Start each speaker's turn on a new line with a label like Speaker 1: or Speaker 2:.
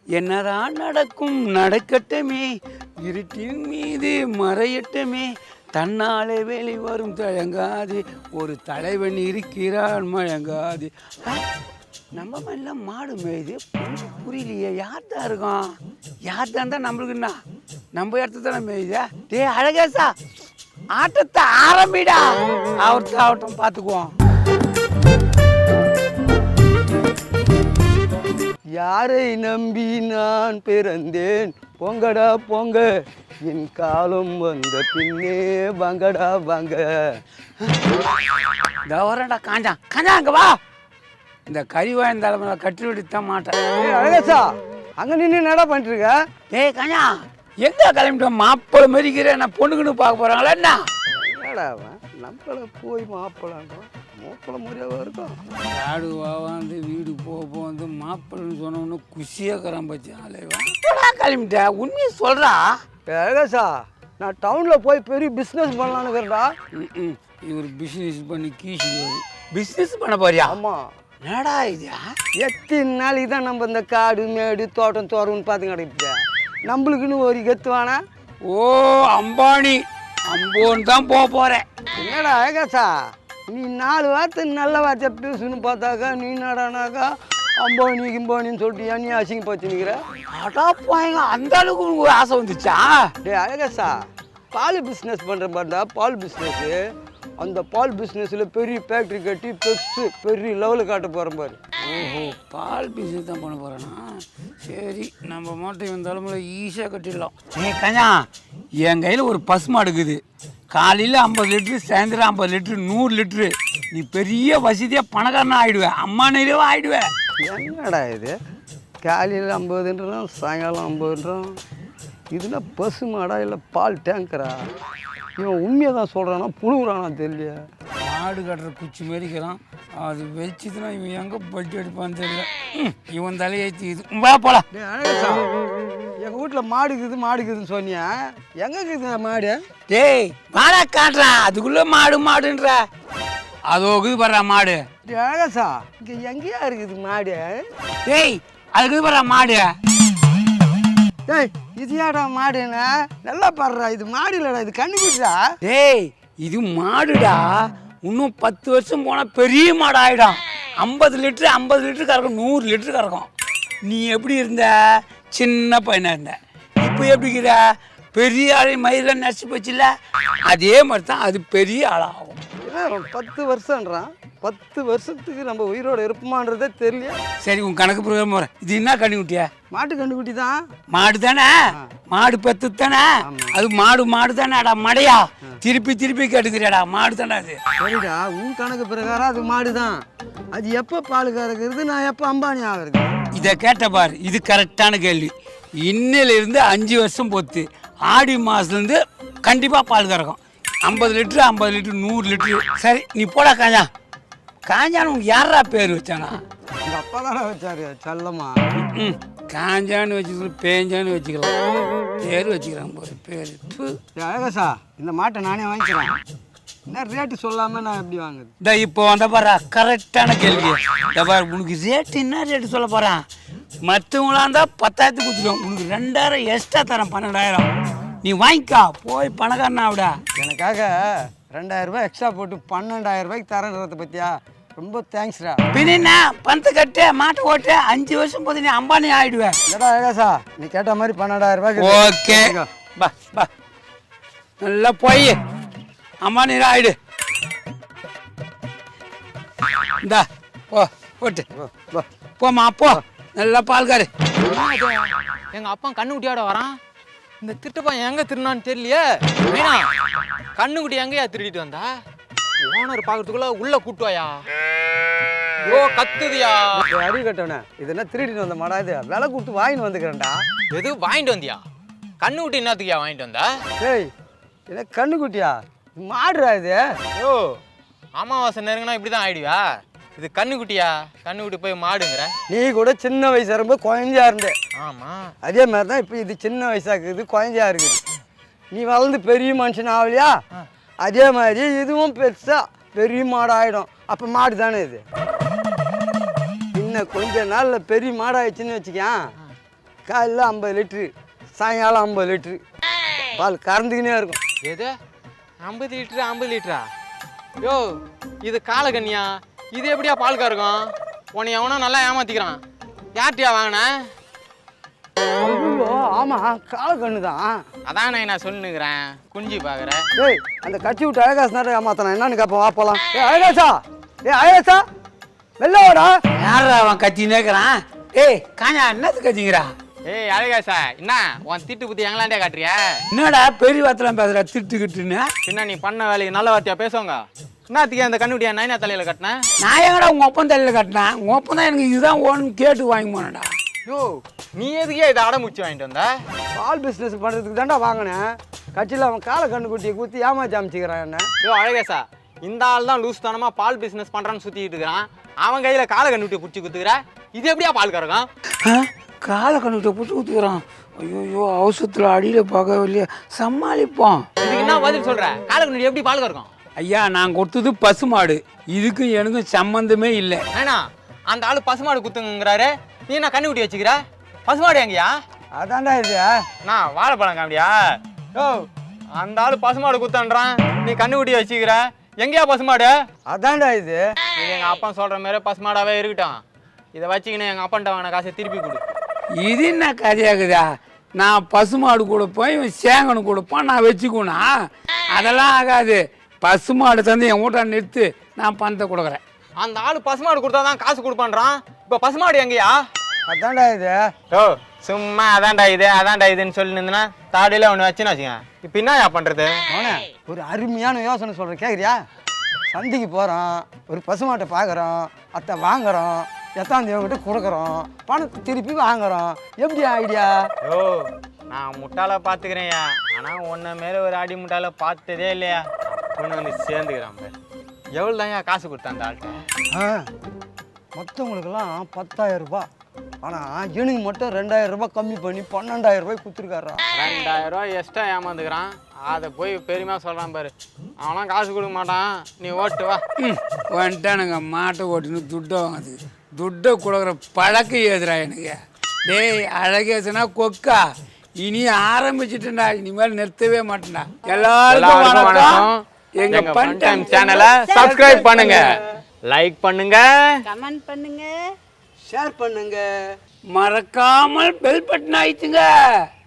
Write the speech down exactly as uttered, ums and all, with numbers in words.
Speaker 1: என்னதான் நடக்கும் நடக்கட்டுமே, இருட்டின் மீது மறையட்டுமே, தன்னாலே வெளி வரும் தழங்காது, ஒரு தலைவன் இருக்கிறான் மழங்காது. நம்ம மேல மாடு மேயுது, கொஞ்சம் புரியலையே, யார் தான் இருக்கோம்? யார் தான் தான் நம்மளுக்குன்னா நம்ம இடத்துல தானே மேயுதா? டே அழகேசா, ஆட்டத்தை ஆரம்பிடா. அவர்த்த ஆகட்டும், பார்த்துக்குவோம்.
Speaker 2: யாரை நம்பி நான் பிறந்தேன், பொங்கடா பொங்க, என் காலம் வந்த பின்னே வாங்கடா வாங்க.
Speaker 1: தவறடா காஞ்சா, காஞ்சா அங்க வா. இந்த கறிவாய்ந்த தலைமையில கட்டி விட்டுத்தான் மாட்டேன்.
Speaker 2: அழகேசா, அங்க நின்று என்னடா பண்ணிட்டு இருக்க?
Speaker 1: ஏய் காஞ்சா, எங்க கிளம்பிட்டோம்? மாப்பிள்ளை மதிக்கிறேன், நான் பொண்ணுக்குன்னு பார்க்க போறாங்களா என்ன?
Speaker 2: என்னடா நம்மள போய் மாப்பிள்ளான்றோம், மாப்பிள்ளை முறையாக இருக்கும்.
Speaker 1: ஆடு வந்து வீடு போக வந்து மாப்பிள்ளைன்னு சொன்னோன்னு குஷியாக்கிறேன் பச்சு ஆலைவா. கிளம்பிட்ட உண்மையை சொல்றா.
Speaker 2: அழகேசா, நான் டவுன்ல போய் பெரிய பிஸ்னஸ் பண்ணலான்னு இருக்கிறேன்டா.
Speaker 1: ம் இவர் பிஸ்னஸ் பண்ணி கீசி பிஸ்னஸ் பண்ண போறியா?
Speaker 2: ஆமா.
Speaker 1: என்னடா இது?
Speaker 2: எத்தனை நாளைக்கு தான் நம்ம இந்த காடு மேடு தோட்டம் தோறன்னு பார்த்து கிடைப்பா, நம்மளுக்குன்னு ஒரு கெத்துவானா?
Speaker 1: ஓ அம்பானி அம்போன்னு தான் போக போறேன்.
Speaker 2: என்னடா அழகேசா, நீ நாலு வார்த்தை நல்ல வார்த்தை பேசுன்னு பார்த்தாக்கா நீ நடானாக்கா அம்பானி கிம்பானின்னு சொல்லிட்டு நீ அசிங்க பார்த்து நிற்கிற.
Speaker 1: அடா போயங்க, அந்த அளவுக்கு உங்களுக்கு ஆசை வந்துச்சா?
Speaker 2: டே அழகேசா, பால் பிஸ்னஸ் பண்ணுற மாதிரிடா பால் பிஸ்னஸ்ஸு. அந்த பால் பிஸ்னஸில் பெரிய ஃபேக்ட்ரி கட்டி பெருசு பெரிய லெவலில் காட்ட போகிறேன் பாரு.
Speaker 1: ஓஹோ, பால் பிஸ்னஸ் தான் பண்ண போகிறேன்னா சரி, நம்ம மாட்டை இந்த தலைமுறை ஈஸியாக கட்டிடலாம். ஏ கஞ்சா, என் கையில் ஒரு பசு மாடு இருக்குது. காலையில் ஐம்பது லிட்ரு, சாயந்தரம் ஐம்பது லிட்ரு, நூறு லிட்ரு. நீ பெரிய வசதியாக பணக்காரனா ஆகிடுவேன், அம்மா நிறைவாக ஆகிடுவேன்.
Speaker 2: என்னடா இது, காலையில் ஐம்பதுன்றோம் சாயங்காலம் ஐம்பதுன்றோம், இதுனா பசு மாடா இல்லை பால் டேங்கரா? இவன் உண்மையை தான் சொல்கிறானா புழுகுறானா தெரியல.
Speaker 1: மாடு கட்டுற குச்சி மாரிக்கிறான், அது வச்சுதுன்னா இவன் எங்கே பட்டி அடிப்பான்னு தெரியல. இவன் தலையேற்றி இது வா போலாம்.
Speaker 2: அழகா, எங்கள் வீட்டில் மாடு இருக்குது மாடு இருக்குதுன்னு சொன்னியா, எங்கே இருக்குது மாடு?
Speaker 1: டேய் மாடா காட்டுறான், அதுக்குள்ளே மாடு மாடுன்ற அதோ இருக்குது பாடுறா மாடு.
Speaker 2: அழகா, இங்கே எங்கேயா இருக்குது மாடு?
Speaker 1: டேய் அதுக்கு பாடுறா மாடு.
Speaker 2: டேய் இது ஏடா மாடுண்ணா, நல்லா பாடுறா, இது மாடு இல்லைடா, இது கண்ணுக்குட்டா.
Speaker 1: டேய் இது மாடுடா, இன்னும் பத்து வருஷம் போனால் பெரிய மாடு ஆகிடும். ஐம்பது லிட்ரு ஐம்பது லிட்டரு கறக்கும், நூறு லிட்டரு கறக்கும். நீ எப்படி இருந்த? சின்ன பையனாக இருந்த. இப்போ எப்படிங்கிற? பெரிய ஆளை மயிரில் நச்சு போச்சுல்ல, அதே மாதிரி தான் அது பெரிய ஆளாகும்.
Speaker 2: பத்து வருஷம்ன்றான், பத்து வருஷத்துக்கு நம்ம உயிரோட இருப்போமான்றதே தெரியல.
Speaker 1: சரி உன் கணக்கு பிரகாரம் போகிறேன். இது என்ன கண்ணுக்குட்டியா?
Speaker 2: மாட்டு கண்ணுக்குட்டி தான்.
Speaker 1: மாடு தானே, மாடு பத்து தானே, அது மாடு மாடு தானேடா மடையா. திருப்பி திருப்பி கேட்டுக்கிறேடா, மாடு தானே அது.
Speaker 2: சரிடா, உன் கணக்கு பிரகாரம் அது மாடு தான். அது எப்போ பால் கறக்கிறது, நான் எப்போ அம்பானி ஆகிறது?
Speaker 1: இதை கேட்ட பாரு, இது கரெக்டான கேள்வி. இன்னிலிருந்து அஞ்சு வருஷம் பொத்து ஆடி மாதத்துலேருந்து கண்டிப்பாக பால் கறக்கும். ஐம்பது லிட்ரு ஐம்பது லிட்ரு நூறு லிட்ரு. சரி நீ போடா காஞ்சா. காஞ்சான்னு உனக்கு யாரா பேர் வச்சானா?
Speaker 2: எங்கள் அப்பா தானே வச்சாரு செல்லம்மா.
Speaker 1: ம் காஞ்சான்னு வச்சுக்கலாம், பேஞ்சான்னு வச்சுக்கலாம், பேர் வச்சுக்கிறான் போது பேர்.
Speaker 2: அழகசா, இந்த மாட்டை நானே வாங்கிக்கிறேன். என்ன ரேட்டு சொல்லாமல் நான் எப்படி வாங்குது?
Speaker 1: இந்த இப்போ வந்த பாரா கரெக்டான கேள்வி. இந்த பாரு, உனக்கு ரேட்டு என்ன ரேட்டு சொல்ல போகிறான்? மற்றவங்களா இருந்தால் பத்தாயிரத்துக்கு கொடுத்துருவோம், உனக்கு ரெண்டாயிரம் எக்ஸ்ட்ரா தரேன், பன்னெண்டாயிரம். நீ வாங்கிக்கா, போய் பணக்காரனா விட.
Speaker 2: எனக்காக ரெண்டாயிரம் ரூபாய் எக்ஸ்ட்ரா போட்டு பன்னெண்டாயிரம் ரூபாய்க்கு தரேன்றத பற்றியா? ரொம்ப தேங்க்ஸ்டா.
Speaker 1: பின்னா பணத்தை கட்டு, மாட்டை ஓட்டு, அஞ்சு வருஷம் போது நீ அம்பானி ஆயிடுவேன்.
Speaker 2: இல்லடா அழகாசா, நீ கேட்ட மாதிரி பன்னெண்டாயிரம் ரூபாய்க்கு.
Speaker 1: ஓகே பா பா, நல்லா போய் அம்பானி ஆயிடு. இந்தா போ போட்டு போமா போ, நல்லா பால்காரு.
Speaker 3: எங்க அப்பா கண்ணுக்குட்டியோட வரான். இந்த திருட்டுப்பா எங்க திருநான்னு தெரியலையே. மீனா, கண்ணுக்குட்டி எங்கயா திருடிட்டு வந்தா? ஓனர் பாக்கிறதுக்குள்ள உள்ள கூட்டுவாயா? ஓ கத்துதியா?
Speaker 2: அடி கட்டவனே, இது என்ன திருடிட்டு வந்த மாடா? இது விலை கொடுத்து வாங்கிட்டு வந்துக்கிறேன்டா.
Speaker 3: எது வாங்கிட்டு வந்தியா? கண்ணுக்குட்டி என்னத்துக்கியா வாங்கிட்டு வந்தா?
Speaker 2: ஏய் என்ன கண்ணுக்குட்டியா? மாடுறா இது.
Speaker 3: ஓ அமாவாசை நெருங்கினா இப்படிதான் ஆயிடுவா? இது கண்ணுக்குட்டியா? கண்ணுக்குட்டி போய் மாடுங்கிற?
Speaker 2: நீ கூட சின்ன வயசா ரொம்ப குழந்தையா இருந்த.
Speaker 3: ஆமா,
Speaker 2: அதே மாதிரி தான் இப்போ இது சின்ன வயசா இருக்குது, குழந்தையா இருக்குது. நீ வளர்ந்து பெரிய மனுஷன் ஆகலையா, அதே மாதிரி இதுவும் பெருசா பெரிய மாடு ஆகிடும். அப்போ மாடு தானே இது. இன்னும் கொஞ்ச நாளில் பெரிய மாடாகிடுச்சின்னு வச்சுக்கேன், காலையில் ஐம்பது லிட்ரு சாயங்காலம் ஐம்பது லிட்ரு பால் கறந்துக்கினே இருக்கும்.
Speaker 3: எது ஐம்பது லிட்டரு ஐம்பது லிட்டரா? யோ இது காலக்கண்ணியா, இது எப்படியா பால் கறக்கும்? உன்னை எவனோ நல்லா ஏமாத்திக்கிறான். யார்ட்டியா வாங்கினேன்?
Speaker 2: ஐயோ ஆமாம் காலக்கண்ணு தான்.
Speaker 3: அதான் நான் சொல்லுங்கிறேன், குஞ்சு பார்க்குறேன்.
Speaker 2: ஏய் அந்த கட்சி விட்டு அழகாசு நேரம் ஏமாத்தனா என்னன்னு கேட்போம், வா போகலாம். ஏ அழகாசா, ஏ அழகாசா வெளில வாடா.
Speaker 1: யாரா அவன் கத்தின்னு இருக்கிறான்? ஏய் காஞ்சா என்னது கத்திங்கிறா?
Speaker 3: ஏய் அழகாசா, என்ன உன் திட்டு புத்தி எங்களாண்டே காட்டுறியா?
Speaker 1: என்னடா பெரிய வார்த்தைலாம் பேசுற திட்டுக்கிட்டுன்னு?
Speaker 3: பின்ன நீ பண்ண வேலைக்கு நல்ல வார்த்தையா பேசுவாங்க. என்னத்துக்கு அந்த கண்ணுடியா நைனா தலையில கட்டினேன்?
Speaker 1: நான் எங்கடா உங்க ஒப்பம் தலையில கட்டினேன்? உங்க ஒப்பம் தான் எனக்கு இதுதான் ஓன்னு கேட்டு வாங்கி போனடா.
Speaker 3: யோ நீ எதுக்கே இதை அடமுச்சு வாங்கிட்டு வந்த?
Speaker 2: பால் பிஸ்னஸ் பண்ணுறதுக்கு தாண்டா வாங்கினேன். கட்சியில் அவன் காலை கண்ணு குட்டியை குத்தி ஏமாச்சி அமைச்சிக்கிறான் என்ன.
Speaker 3: யோ அழகேசா, இந்த ஆள் தான் லூஸ் தனமா பால் பிசினஸ் பண்றான்னு சுத்திட்டு இருக்கிறான். அவன் கையில காலை கண்ணுட்டியை பிடிச்சி குத்துக்கிற, இது எப்படியா பால் கறக்கும்?
Speaker 1: காலை கண்ணுகிட்ட பிடிச்சி ஊற்றுக்குறான். ஐயோ அவசரத்தில் அடியில் பார்க்கவே இல்லையா, சமாளிப்போம்.
Speaker 3: இதுக்கு என்ன பதில் சொல்ற? காலை கண்ணுட்டி எப்படி பால் கறக்கும்?
Speaker 1: ஐயா நான் கொடுத்தது பசுமாடு, இதுக்கும் எனக்கும் சம்மந்தமே இல்லை.
Speaker 3: ஏன்னா அந்த ஆளு பசுமாடு குத்துங்கிறாரு, நீ என்ன கண்ணுக்குட்டி வச்சுக்கிற? பசுமாடு எங்கயா?
Speaker 2: அதான்டா இது.
Speaker 3: நான் வாழைப்பழம் காமிடியா? யோ அந்த ஆளு பசுமாடு குத்தன்றான், நீ கண்ணுக்குட்டி வச்சுக்கிற, எங்கேயா பசுமாடு?
Speaker 2: அதான்டா இது.
Speaker 3: இது எங்க அப்பா சொல்ற மாதிரி பசுமாடாவே இருக்கட்டும். இதை வச்சுக்கின்னு எங்க அப்பான்ட்ட வாங்கின காசை திருப்பி கொடு.
Speaker 1: இது என்ன கதையாகுதா? நான் பசுமாடு கொடுப்பேன், இவன் சேங்கனு கொடுப்பான், நான் வச்சுக்கோனா? அதெல்லாம் ஆகாது. பசுமாடு தந்து என் வீட்டை நிறுத்து, நான் பணத்தை கொடுக்குறேன்.
Speaker 3: அந்த ஆளு பசுமாடு கொடுத்தாதான் காசு கொடுப்பான்றான், இப்போ பசுமாடு எங்கயா?
Speaker 2: அதான்டா இது.
Speaker 3: ஓ சும்மா அதான்டா இது அதான்டா இதுன்னு சொல்லி நின்றுனா தாடியில ஒன்று வச்சுன்னு வச்சுங்க. இப்போ என்ன பண்றது?
Speaker 2: அவனே ஒரு அருமையான யோசனை சொல்கிறேன், கேட்குறியா? சந்தைக்கு போகிறோம், ஒரு பசுமாட்டை பார்க்குறோம், அத்தை வாங்குறோம், எத்தாம் தேவங்கிட்ட கொடுக்குறோம், பணத்தை திருப்பி வாங்குறோம். எப்படி ஐடியா?
Speaker 3: ஓ நான் முட்டாள பார்த்துக்கிறேன்யா, ஆனால் உன்ன மாரி ஒரு அடி முட்டாள பார்த்ததே இல்லையா. பொண்ணு வந்து சேர்ந்துக்கிறான் பாரு. எவ்வளோ தான் காசு கொடுத்தான் அந்த ஆள்கிட்ட?
Speaker 2: ஆ மற்றவங்களுக்கெல்லாம் பத்தாயிரம் ரூபாய், ஆனால் எனக்கு மட்டும் ரெண்டாயிரம் ரூபாய் கம்மி பண்ணி பன்னெண்டாயிரம் ரூபாய் கொடுத்துருக்காரா.
Speaker 3: ரெண்டாயிரம் ரூபாய் எக்ஸ்ட்ரா ஏமாந்துக்கிறான், அதை போய் பெருமையாக சொல்கிறான் பாரு. அவனாம் காசு கொடுக்க மாட்டான், நீ ஓட்டு வா.
Speaker 1: ம் வந்துட்டானுங்க மாட்டை ஓட்டுன்னு துட்டை வாங்குது. துட்டை கொடுக்குற பழக்கம் ஏதுடா எனக்கு. டேய் அழகேசனா கொக்கா, இனி ஆரம்பிச்சுட்டேன்டா, இனிமேல் நிறுத்தவே மாட்டேன்டா. எல்லாருக்கும் வணக்கம். எங்க ஃபன் டைம்
Speaker 3: சேனலை சப்ஸ்கிரைப் பண்ணுங்க, லைக் பண்ணுங்க,
Speaker 4: கமெண்ட் பண்ணுங்க,
Speaker 2: ஷேர் பண்ணுங்க,
Speaker 1: மறக்காமல் பெல் பட்டன் ஆயிடுச்சுங்க.